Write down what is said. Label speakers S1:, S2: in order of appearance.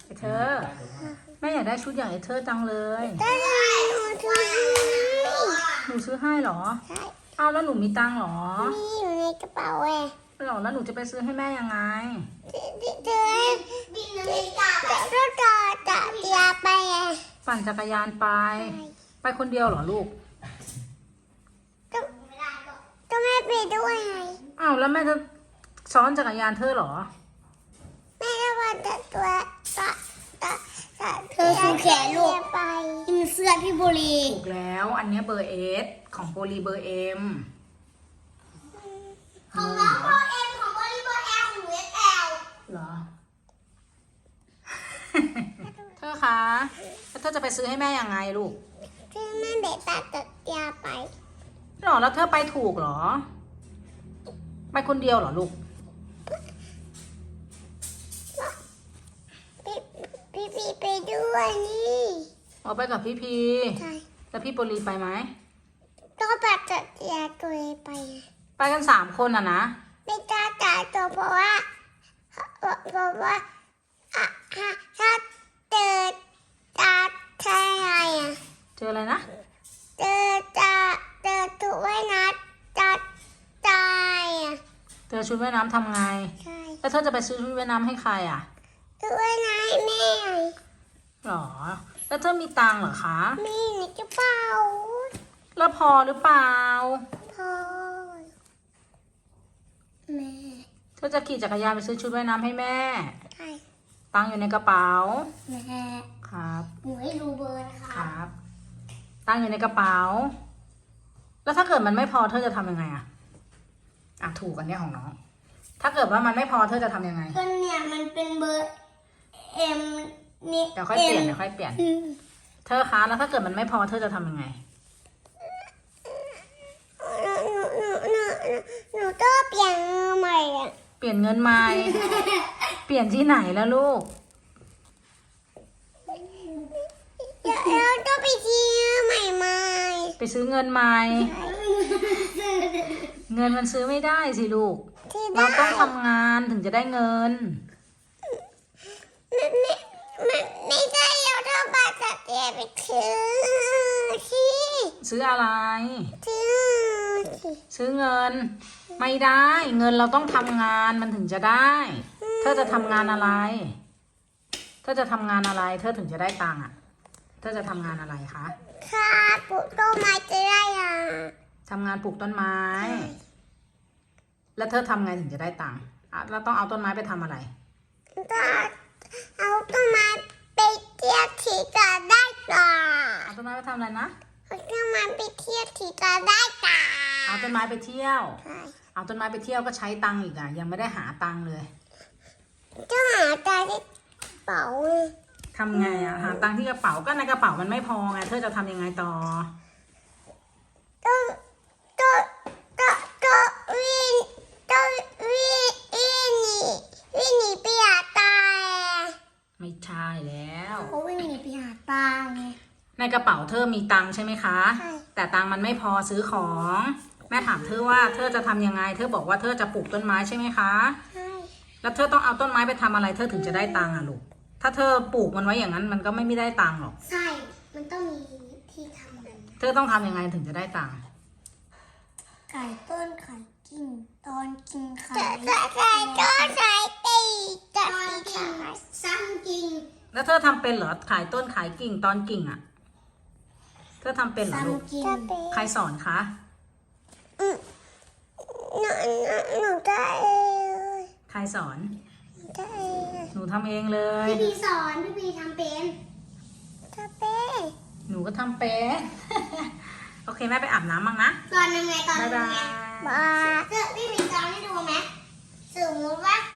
S1: ไอเธอแม่อยากได้ชุดอย่างไอเธอจังเลย
S2: ได้หนูซื้อให้
S1: หนูซื้อให้เหรอ
S2: ใช่
S1: เอาแล้วหนูมีตังค์เหรอ
S2: นี่อยู่ในกระเป๋าเอง
S1: หรอแล้วหนูจะไปซื้อให้แม่ยังไง
S2: เจอจะยาไปไง
S1: ปั่นจักรยานไป ไปคนเดียวเหรอลูก
S2: ต้องให้ไปด้วยไง
S1: อ้าวแล้วแม่จะซ้อนจักรยานเธอเหรอ
S2: แม่จะวันตัวเธอซื้อแขนลูกไปกินเสื้อพี่บุรี
S1: ถูกแล้วอันเนี้ยเบอร์เอสของโปลีเบอร์เอ็ม
S2: ของน้องเบอร์เอ็มของบริเบอร์แอลของหนูเอสแอล
S1: เหรอ เธอคะแล้วเธอจะไปซื้อให้แม่ยังไงลูก
S2: ซึ่งแม่เบตัดยาไป
S1: หรอแล้วเธอไปถูกเหรอ ไปคนเดียวเหรอลูก
S2: พี่ไปด้วยนี่
S1: เอาไปกับพี่พี
S2: ใช่
S1: แล้วพี่โปลีไปไหม
S2: ต้องตัดยาตัวเองไป
S1: ไปกัน3 คนอ่ะนะ
S2: ไม่กล้าจ่ายตัวเพราะว่าถ้าเจอใช่ไงอ่ะ
S1: เจออะไรนะ
S2: เจอถูกไว้นะจะตายอ่ะ
S1: เจอชุดว่ายน้ำทำไง
S2: ใช่
S1: แล้วเธอจะไปซื้อชุดว่ายน้ำให้ใครอ่ะ
S2: ถูกไว้นะให้แม่
S1: หรอ แล้วเธอมีตังค์เหรอคะ
S2: มีในกระเป๋า
S1: แล้วพอหรือเปล่า
S2: พ่อแม่
S1: เธอจะขี่จักรยานไปซื้อชุดว่ายน้ำให้แม่
S2: ใช่
S1: ตังค์อยู่ในกระเป๋า
S2: แม่
S1: ครับ
S2: หนูให้รู้เบอร์นะ
S1: ค
S2: คะ
S1: รับ ตังค์อยู่ในกระเป๋า แล้วถ้าเกิดมันไม่พอเธอจะทำยังไงอะถูกอันเนี้ยของน้อง ถ้าเกิดว่ามันไม่พอเธอจะทำยังไง
S2: ก็เนี่ยมันเป็นเบอร์เอ็มนี่
S1: เดี๋ยวค่อยเปลี่ยนเดี๋ยวค่อยเปลี่ยน เธอคะแล้วถ้าเกิดมันไม่พอเธอจะทำยังไง
S2: หนูต้องเปลี่ยนมือใหม่อ่ะ
S1: เปลี่ยนเงินใหม่ เปลี่ยนที่ไหนแล้วลูก
S2: เดี๋ยวเราต้องไปที่ใหม่ใหม่
S1: ไปซื้อเงินใหม่ เงินมันซื้อไม่ได้สิลูก
S2: ที่
S1: เรา
S2: ได้
S1: ต้องทำงานถึงจะได้เงิน
S2: ไม่ได้เราต้องไปตัดเตียไปซื้อที่
S1: ซื้ออะไร
S2: ซื้อที่
S1: ซื้อเงิน ไม่ได้ เงินเราต้องทำงานมันถึงจะได้ เธอจะทำงานอะไร เธอจะทำงานอะไร เธอถึงจะได้ตังค์อ่ะ เธอจะทำงานอะไรคะ
S2: ค่ะปลูกต้นไม้จะได้อ่ะ
S1: ทำงานปลูกต้นไม้ แล้วเธอทำไงถึงจะได้ตังค์เราต้องเอาต้นไม้ไปทำอะไร
S2: ก็เอาต้นไม้ไปเที่ยวที่จะได้ต่อ
S1: เอาต้นไม้ไปทำอะไรนะ
S2: เอาต้นไม้ไปเที่ยวที่จะได้ต่อ
S1: เอาต้นไม้ไปเที่ยว
S2: ใช่
S1: เอาต้นไม้ไปเที่ยวก็ใช้ตังค์อีกอ่ะ ยังไม่ได้หาตังค์เลย
S2: ต้องหาใจที่เป๋า
S1: ทำไงอ่ะ หาตังค์ที่กระเป๋าก็ในกระเป๋ามันไม่พอไง เธอจะทำยังไงต่อ
S2: ต้องวิ่งวิ่งหนีไปหาตาย
S1: ไม่ใช่แล้ว
S2: เขาวิ่งหนีไปหาตายไง
S1: ในกระเป๋าเธอมีตังค์ใช่ไหมคะ
S2: ใช่
S1: แต่ตังค์มันไม่พอซื้อของ แม่ถามเธอว่าเธอจะทำยังไง เธอบอกว่าเธอจะปลูกต้นไม้ใช่ไหมคะ
S2: ใช่
S1: แล้วเธอต้องเอาต้นไม้ไปทำอะไร เธอถึงจะได้ตังค์อ่ะลูก ถ้าเธอปลูกมันไว้อย่างนั้นมันก็ไม่ได้ตังค์หรอก
S2: ใช่มันต้องมีที่ทำมัน
S1: เธอต้องทำยังไงถึงจะได้ตังค์
S2: ไก่ต้นไข่กินตอนกินไข่ไก่ต้นไข่ตีตอนกินซ้ำกิน
S1: แล้วเธอทำเป็นเหรอ ขายต้นขายกิ่งตอนกิ่งอ่ะ เธอทำเป็นเหรอลูก
S2: กิน
S1: ใครสอนคะ
S2: หนูได้เอง
S1: ใครสอน
S2: ได้เอง
S1: หนูทำเองเลย
S2: พี่พีสอนพี่พีทำเป็นทำเป็น
S1: หนูก็ทำเป็น โอเคแม่ไปอาบน้ำบ้างนะ
S2: สอนยังไงตอน
S1: บ๊าย
S2: ยัง
S1: บา
S2: ไง
S1: ย
S2: บ้าพี่พีสอนให้ดูไหมสมมติว่า